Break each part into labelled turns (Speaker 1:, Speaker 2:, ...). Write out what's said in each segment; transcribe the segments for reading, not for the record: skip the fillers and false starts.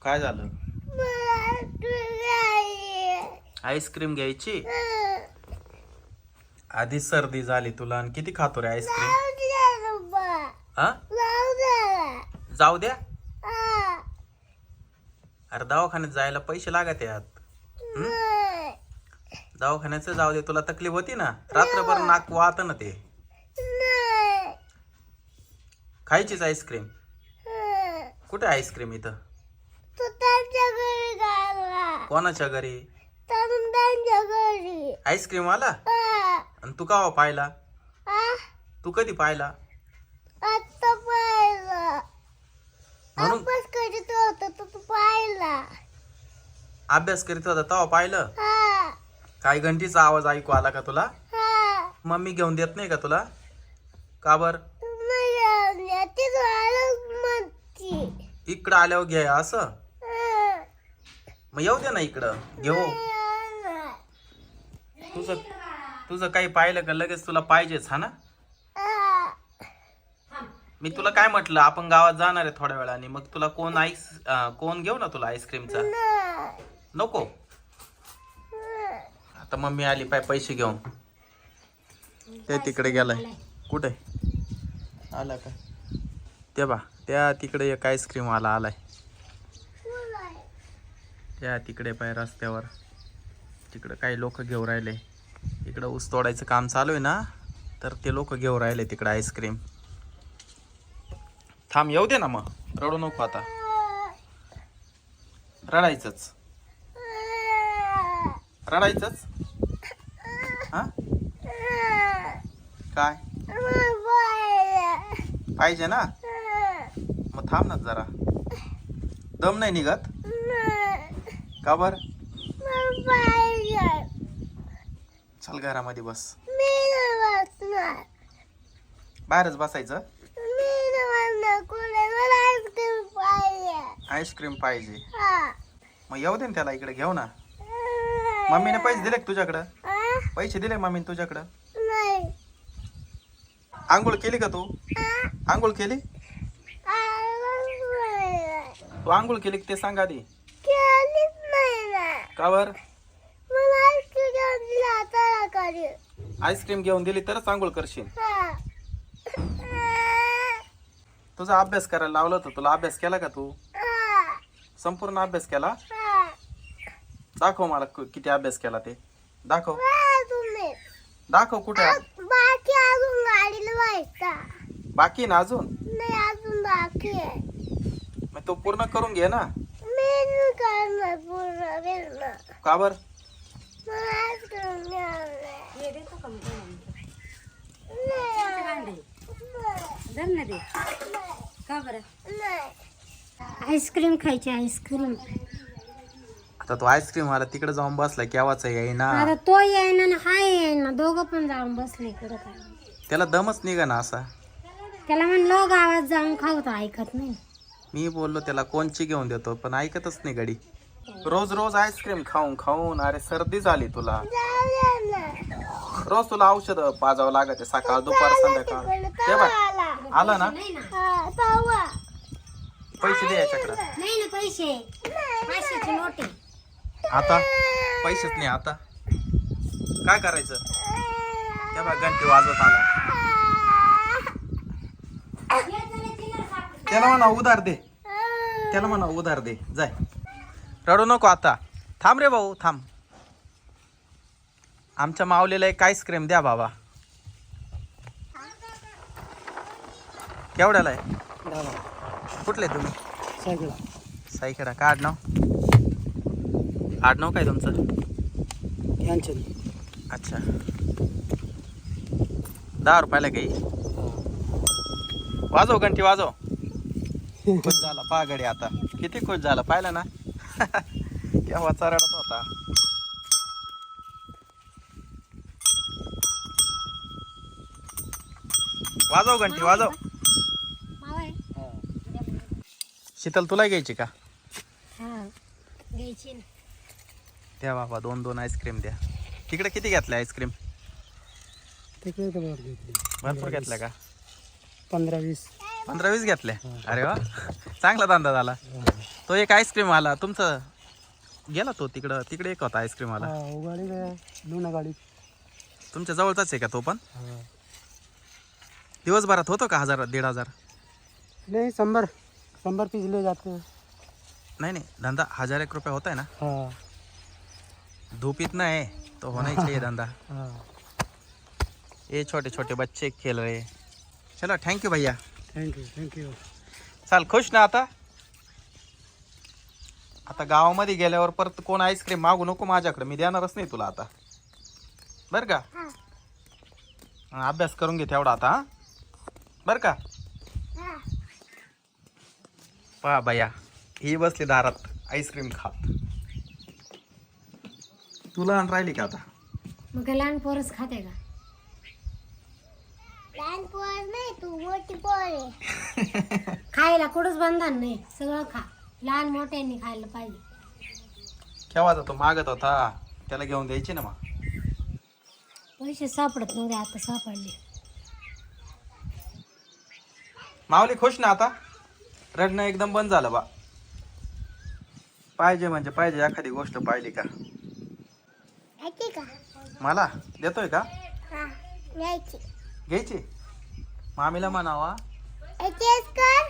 Speaker 1: काय झालं? आईस्क्रीम घ्यायची. आधी सर्दी झाली तुला आणि किती खातो रे आईस्क्रीम? हा जाऊ द्या. अरे दवाखान्यात जायला पैसे लागत यात. दवाखान्याचं जाऊ दे, तुला तकलीफ होती ना, रात्रभर नाक वाहत ना ते. खायचीच आईस्क्रीम. कुठे आईस्क्रीम इथं? कोणाच्या घरी? आईस्क्रीम आला? आणि तू का पाहिला? तू कधी पाहिला? म्हणून अभ्यास करीत होता तेव्हा पाहिलं? काय घंटीचा आवाज ऐकू आला का तुला? मम्मी घेऊन देत नाही का तुला? का बर? इकडं आल्यावर घे असं. मग येऊ दे ना इकडं घेऊ. तुझं काही पाहिलं का लगेच तुला पाहिजेच हा ना? मी तुला काय म्हटलं, आपण गावात जाणार आहे थोड्या वेळाने, मग तुला कोण घेऊ ना तुला आईस्क्रीमचा? नको. आता मम्मी आली पाय पैसे घेऊन. ते तिकडे गेलाय. कुठे आला का? ते बा त्या तिकडे एक आईस्क्रीम वाला आलाय. त्या तिकडे पाय रस्त्यावर तिकडे काही लोक घेऊ राहिले. इकडं ऊस तोडायचं काम चालू आहे ना, तर ते लोक घेऊ राहिले तिकडे आईस्क्रीम. थांब येऊ दे ना, मग रडू नको आता. रडायचंच रडायचंच हा? काय पाहिजे ना? मग थांब ना जरा. दम नाही निघत का बर? चल घरामध्ये बस. बाहेरच बसायचं. आईस्क्रीम पाहिजे. मग येऊ दे ना त्याला, इकडे घेऊ ना. मम्मीने पैसे दिले का तुझ्याकडं? पैसे दिले मम्मीने तुझ्याकडं? आंघोळ केली का तू? आंघोळ केली? तू आंघोळ केली ते सांग आधी. का बर? आईस्क्रीम घेऊन दिली तरच आंघोळ करशील. तुझा अभ्यास करायला लावलं होतं तुला. अभ्यास केला का तू? संपूर्ण अभ्यास केला? दाखव मला किती अभ्यास केला ते. दाखव दाखव. कुठे बाकी ना अजून? मग तो पूर्ण करून घे ना. का बर?
Speaker 2: आईस्क्रीम खायची. आईस्क्रीम
Speaker 1: आता तो आईस्क्रीम वाला तिकडे जाऊन बसला केव्हाचा येईना.
Speaker 2: आता तो येईना ना हा येईना, दोघं पण जाऊन बसले इकडं. काय
Speaker 1: त्याला दमच निघा ना असा.
Speaker 2: त्याला म्हणलं गावात जाऊन खाऊ तर ऐकत नाही.
Speaker 1: मी बोललो त्याला कोणची घेऊन देतो, पण ऐकतच नाही गडी. रोज रोज आईस्क्रीम खाऊन खाऊन अरे सर्दी झाली तुला. रोज तुला औषध पाजावं लागत आहे, सकाळ दुपार संध्याकाळ. ते बघ आला ना. पैसे दे याच्याकडं.
Speaker 2: नाही ना पैसे. पैशाची नोट आहे.
Speaker 1: आता पैसेच नाही. आता काय करायचं? त्या बघ घंटी वाजवत आला. त्याला म्हणा उधार दे. त्याला म्हणा उधार दे. जाय रडू नको आता. थांब रे भाऊ थांब. आमच्या माऊलीला एक आईस्क्रीम द्या बाबा. केवढ्याला आहे? कुठले तुम्ही? साईकडा. का आडनाव? आडनाव काय तुमचं? अच्छा. 10 रुपयाला काही. वाजव घंटी वाजव. खुश झाला पहा गडी आता. किती खुश झाला पाहिलं ना. केव्हाचा रडत होता. वाजव घंटी वाजव. शीतल तुला घ्यायची का?
Speaker 2: घ्यायची ना.
Speaker 1: द्या बाबा 2-2 आईस्क्रीम द्या. तिकडे किती घेतल्या आईस्क्रीम?
Speaker 3: तिकडे भरपूर घेतली.
Speaker 1: भरपूर घेतल्या का?
Speaker 3: 15-20.
Speaker 1: 15-20 घेतले. अरे वा, चांगला धंदा झाला. तो एक आईस्क्रीम आला तुमचं गेला, तो तिकडे एक होता आईस्क्रीम आला.
Speaker 3: गाडी दोन गाडी
Speaker 1: तुमच्या जवळचाच आहे का तो पण? दिवसभरात होतो का 1000-1500?
Speaker 3: नहीं 100 पीस ले जाते हैं.
Speaker 1: नहीं धंदा 1000-1 रुपये होता है ना.
Speaker 3: हाँ
Speaker 1: धूप इतना है तो होना ही चाहिए धंधा.
Speaker 3: हाँ.
Speaker 1: ये छोटे छोटे बच्चे खेल रहे. चलो थँक्यू भैया.
Speaker 3: Thank you.
Speaker 1: चाल, खुश ना आता. आता गावामध्ये गेल्यावर परत कोण आईस्क्रीम मागू नको माझ्याकडे, मी देणारच नाही तुला आता, बर का. अभ्यास करून घे तेवढा आता, हा बर का. पहा भैया, ही बसली दारात आईस्क्रीम खात. तुला आण राहिली का आता?
Speaker 2: मग काय लहान पोरच खाते का?
Speaker 4: लहान पोर नाही, तू मोठी पोर आहे.
Speaker 2: खायला कुठंच बंधन नाही, सगळं खा. लहान मोठ्यांनी खायला पाहिजे.
Speaker 1: केव्हा जातो मागत होता, त्याला घेऊन द्यायची ना मग.
Speaker 2: पैसे सापडत नव्हते, आता सापडले.
Speaker 1: माऊली खुश ना आता? रडणं एकदम बंद झालं बा. पाहिजे म्हणजे पाहिजे, एखादी गोष्ट पाहिली का
Speaker 4: यायची का?
Speaker 1: मला देतोय का?
Speaker 4: हा, यायची.
Speaker 1: घ्यायची. मामीला म्हणावा,
Speaker 4: याचीच कर.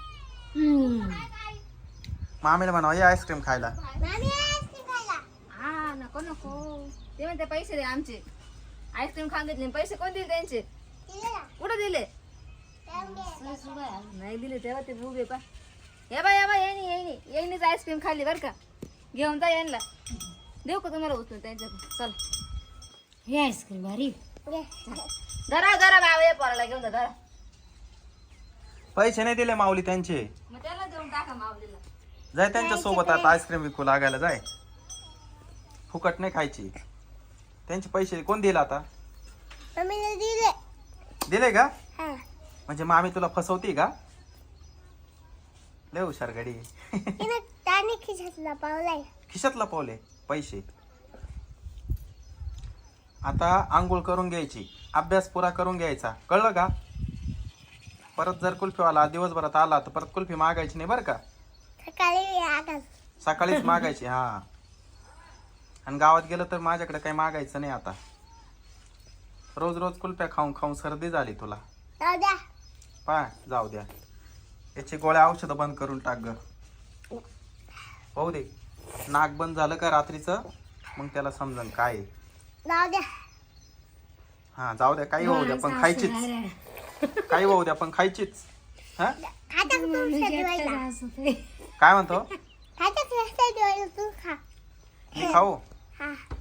Speaker 1: मामीला म्हणावा ये आईस्क्रीम खायला.
Speaker 4: मामी आईस्क्रीम खायला.
Speaker 5: हा नको नको, ते म्हणते पैसे दे आमचे. आईस्क्रीम खाऊन घेतले, पैसे कोण दिले त्यांचे?
Speaker 4: दिले ना?
Speaker 5: कुठं दिले?
Speaker 4: जाऊन घे.
Speaker 5: नाही दिले तेव्हा ते उभे पा. या बाय येईनीच आईस्क्रीम खाल्ली बरं का. घेऊन जा यांना. देऊ का तुम्हाला उचलून त्यांच्याकडे? चल
Speaker 2: हे आईस्क्रीम भारी.
Speaker 4: घे.
Speaker 5: धरा बाबा, ये पोराला घेऊन जा, धरा.
Speaker 1: पैसे नाही दिले माऊली त्यांचे.
Speaker 5: मग त्याला देऊन टाका माऊलीला.
Speaker 1: जाय त्यांच्या सोबत आता आईस्क्रीम विकू लागायला जाय. फुकट नाही खायची. त्यांचे पैसे कोण दिले आता?
Speaker 4: मम्मीने दिले.
Speaker 1: दिले का?
Speaker 4: हा.
Speaker 1: म्हणजे मामी तुला फसवती का? लय हुशार गडी.
Speaker 4: तिने त्याने खिशातला पावलाय.
Speaker 1: खिशात लपवले पैसे. आता आंघोळ करून घ्यायची, अभ्यास पुरा करून घ्यायचा, कळलं का? परत जर कुल्फीवाला दिवसभरात आला तर परत कुल्फी मागायची नाही बरं का.
Speaker 4: सकाळी आकाश.
Speaker 1: सकाळीच मागायची. हा, आणि गावात गेलं तर माझ्याकडे काही मागायचं नाही आता. रोज रोज कुल्फ्या खाऊन खाऊन सर्दी झाली तुला.
Speaker 4: जाऊ द्या.
Speaker 1: पाय जाऊ द्या. याची गोळ्या औषधं बंद करून टाक ग. पाहू दे, नाक बंद झालं का रात्रीचं, मग त्याला समजन काय आहे.
Speaker 4: जाऊ द्या.
Speaker 1: हा जाऊ द्या, काही होऊ द्या पण खायचीच. काही होऊ द्या पण खायचीच. हा
Speaker 4: खाता का तू शेजवायला?
Speaker 1: काय म्हणतो?
Speaker 4: खाता का शेजवायला तू खा.
Speaker 1: मी खाऊ?
Speaker 4: हा.